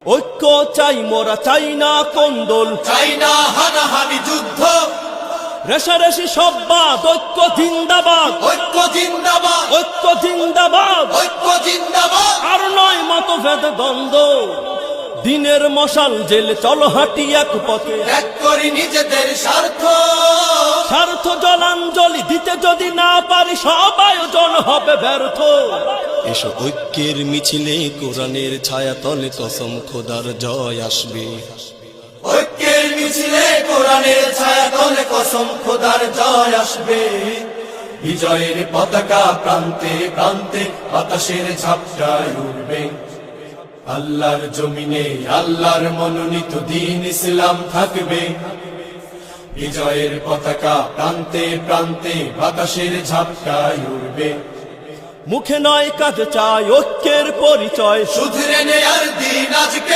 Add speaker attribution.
Speaker 1: ঐক্য চাই মোরা, চাই না কোন্দল,
Speaker 2: চাই না হানাহানি যুদ্ধ,
Speaker 1: রেশারেশি সব বাদ, ঐক্য জিন্দাবাদ,
Speaker 2: ঐক্য জিন্দাবাদ,
Speaker 1: ঐক্য জিন্দাবাদ।
Speaker 2: ঐক্য জিন্দাবাদ।
Speaker 1: আর নয় মতভেদ দ্বন্দ্ব, দিনের মশাল জেলে চলো হাঁটি এক পথে।
Speaker 2: ত্যাগ করি নিজেদের স্বার্থ,
Speaker 1: স্বার্থ জলাঞ্জলি দিতে যদি না পারি, সব আয়োজন হবে ব্যর্থ। এসো ঐক্যের মিছিলে, কোরআনের ছায়া তলে কসম খোদার জয় আসবে।
Speaker 2: ঐক্যের মিছিলে কোরআনের ছায়া তলে কসম খোদার জয় আসবে। বিজয়ের পতাকা প্রান্তে প্রান্তে বাতাসের ঝাপটায় উঠবে। আল্লাহর জমিনে আল্লাহর মনোনীত দ্বীন ইসলাম থাকবে। বিজয়ের পতাকা প্রান্তে প্রান্তে বাতাসের ঝাপটায় উঠবে।
Speaker 1: মুখে নয় কাজে চাই ঐক্যের পরিচয়,
Speaker 2: শুধরে নেয়ার দিন আজকে।